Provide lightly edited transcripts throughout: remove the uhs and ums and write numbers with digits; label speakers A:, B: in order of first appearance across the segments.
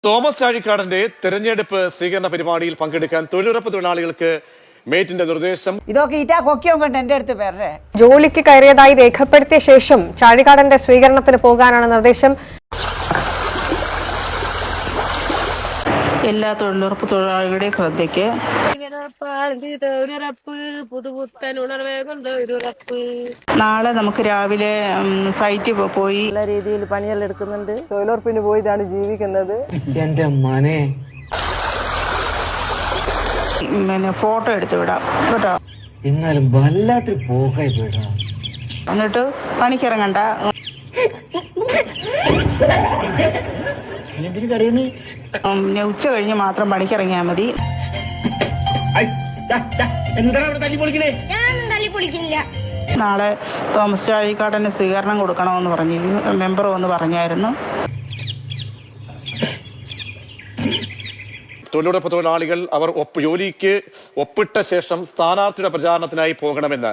A: Thomas ചാഴിക്കാടന്റെ തെരഞ്ഞെടുപ്പ് സ്വീകരണ പരിപാടിയിൽ പങ്കെടുക്കാൻ തൊഴിലുറപ്പ് തൊഴിലാളികൾക്ക് മേറ്റിന്റെ നിർദ്ദേശം.
B: ഇതൊക്കെ ഇറ്റാ കൊക്കിയും കൊണ്ട് എന്റെ അടുത്ത് പേരെ
C: ജോലിക്ക് കയറിയതായി രേഖപ്പെടുത്തിയ ശേഷം ചാഴിക്കാടന്റെ സ്വീകരണത്തിന് പോകാനാണ് നിർദ്ദേശം.
D: എല്ലാ തൊഴിലുറപ്പ് തൊഴിലാളികളുടെയും ശ്രദ്ധയ്ക്ക് നാളെ നമുക്ക് രാവിലെ സൈറ്റിൽ പോയി
B: നല്ല രീതിയിൽ പണിയെല്ലാം എടുക്കുന്നുണ്ട്. തൊഴിലുറപ്പിന് പോയിട്ടാണ് ജീവിക്കുന്നത്.
E: എന്റെ മനെ
D: പിന്നെ ഫോട്ടോ എടുത്തു വിടാം കേട്ടോ.
E: എന്നാലും വല്ലാത്തൊരു പോക്കായി പോയിട്ടാ.
D: എന്നിട്ട് പണിക്കിറങ്ങണ്ട. ഉച്ച കഴിഞ്ഞ് മാത്രം പണിക്കിറങ്ങിയാൽ മതി. നാളെ തോമസ് ചാഴിക്കാടന് സ്വീകരണം കൊടുക്കണമെന്ന് പറഞ്ഞിരുന്നു. മെമ്പർ വന്ന് പറഞ്ഞായിരുന്നു.
A: തൊഴിലുറപ്പ് തൊഴിലാളികൾ അവർ ജോലിക്ക് ഒപ്പിട്ട ശേഷം സ്ഥാനാർത്ഥിയുടെ പ്രചാരണത്തിനായി പോകണമെന്ന്.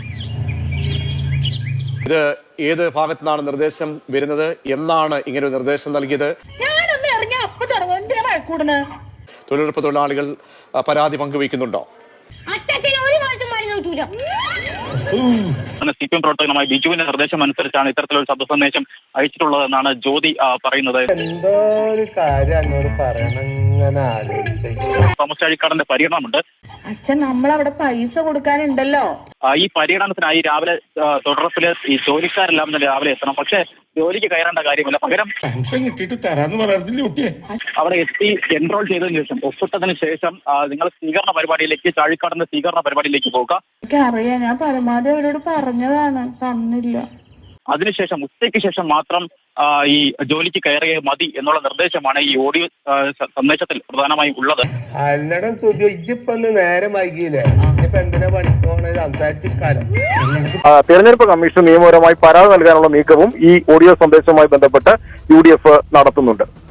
A: ഇത് ഏത് ഭാഗത്തു നിന്നാണ് നിർദ്ദേശം വരുന്നത്? എന്നാണ് ഇങ്ങനെ ഒരു നിർദ്ദേശം നൽകിയത്? തൊഴിലുറപ്പ് തൊഴിലാളികൾ പരാതി പങ്കുവയ്ക്കുന്നുണ്ടോ?
F: CPM പ്രവർത്തകനുമായ ബിജുവിന്റെ നിർദ്ദേശം അനുസരിച്ചാണ് ഇത്തരത്തിലൊരു ശബ്ദ സന്ദേശം അയച്ചിട്ടുള്ളതെന്നാണ് ജ്യോതി പറയുന്നത്. തോമസ് ചാഴിക്കാടന്റെ പര്യടനമുണ്ട്.
G: അച്ഛൻ നമ്മളവിടെ പൈസ കൊടുക്കാനുണ്ടല്ലോ.
F: ഈ പര്യടനത്തിനായി രാവിലെ തൊഴിലുറപ്പില് ഈ ജോലിക്കാരെല്ലാം തന്നെ രാവിലെ എത്തണം. പക്ഷെ ജോലിക്ക് കയറേണ്ട കാര്യമില്ല. പകരം അവിടെ എത്തി എൻറോൾ ചെയ്തതിനു ശേഷം ഒപ്പിട്ടതിന് ശേഷം നിങ്ങൾ സ്വീകരണ പരിപാടിയിലേക്ക് ചാഴിക്കാടന്റെ സ്വീകരണ പരിപാടിയിലേക്ക് പോകുക.
G: എനിക്കറിയാം, ഞാൻ പരമാവധി അവരോട് പറഞ്ഞതാണ്, തന്നില്ല.
F: അതിനുശേഷം ഉച്ചയ്ക്ക് ശേഷം മാത്രം ഈ ജോലിക്ക് കയറിയ മതി എന്നുള്ള നിർദ്ദേശമാണ് ഈ ഓഡിയോ സന്ദേശത്തിൽ പ്രധാനമായും ഉള്ളത്.
H: തെരഞ്ഞെടുപ്പ് കമ്മീഷൻ നിയമപരമായി പരാതി നൽകാനുള്ള നീക്കവും ഈ ഓഡിയോ സന്ദേശവുമായി ബന്ധപ്പെട്ട് UDF നടത്തുന്നുണ്ട്.